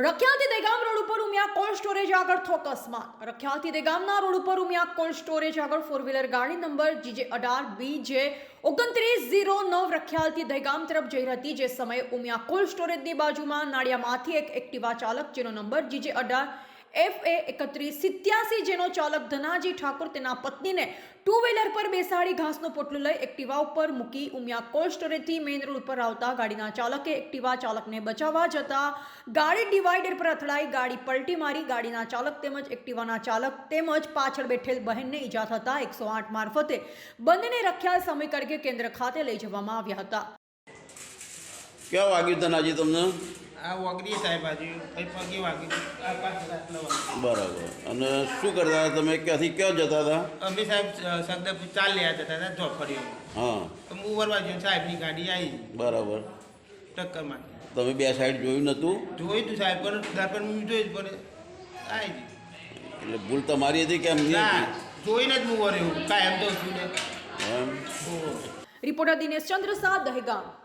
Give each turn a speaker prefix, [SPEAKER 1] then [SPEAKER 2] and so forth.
[SPEAKER 1] રખિયાલથી Dehgam road ઉપર Umiya cold storage આગળ થયો અકસ્માત। રખિયાલથી દહેગામના રોડ ઉપર ઉમિયા કોલ્ડ સ્ટોરેજ આગળ ફોર વ્હીલર ગાડી નંબર GJ18BJ 2909 રખિયાલથી દહેગામ તરફ જઈ રહી હતી। જે સમયે ઉમિયા કોલ્ડ સ્ટોરેજની બાજુમાં નાળિયામાંથી એક એક્ટિવા ચાલક જેનો નંબર GJ18FA3187 જેનો ચાલક ધનાજી ઠાકોર તેના પત્નીને ટુ વ્હીલર પર બેસાડી ઘાસનો પોટલો લઈ એક્ટિવા ઉપર મૂકી ઉમિયા કોલ્ડ સ્ટોરેજથી મેઇન રોડ ઉપર આવતા ગાડીના ચાલકે એક્ટિવા ચાલકને બચાવવા જતા ગાડી ડિવાઈડર પર અથડાઈ ગાડી પલટી મારી ગાડીના ચાલક તેમજ એક્ટિવાના ચાલક તેમજ પાછળ બેઠેલ બહેનને ઈજા થતા 108 મારફતે બંનેને રખિયાલ સામૂહિક આરોગ્ય કેન્દ્ર ખાતે લઈ જવામાં આવ્યા હતા।
[SPEAKER 2] क्या वाग्યું ધનાજી તમને?
[SPEAKER 3] આ વાગરી સાહેબ આજે કઈ પગે વાગી આ પાછળ આટલો વાગ્યો।
[SPEAKER 2] બરાબર। અને શું કરતા હતા તમે? ક્યાંથી ક્યાં જતા હતા?
[SPEAKER 3] અમે સાહેબ સગદપુર ચાલ લેવા જતા હતા ચોફળીઓ।
[SPEAKER 2] હા
[SPEAKER 3] તો હું વરવા જઈને સાહેબની ગાડી આવી
[SPEAKER 2] બરાબર।
[SPEAKER 3] ટક્કર મારી।
[SPEAKER 2] તમે બે સાઈડ જોયું નહોતું?
[SPEAKER 3] જોયું તું સાહેબ પણ દર્પણ હું જોઈ જ પડે આવી ગઈ।
[SPEAKER 2] એટલે ભૂલ તમારી હતી કે એમની
[SPEAKER 3] ના
[SPEAKER 2] હતી?
[SPEAKER 3] જોઈને જ હું વરે કાંઈ એમ તો છું ને
[SPEAKER 2] એમ?
[SPEAKER 1] રિપોર્ટર દિનેશ ચંદ્ર શાહ, દહેગામ।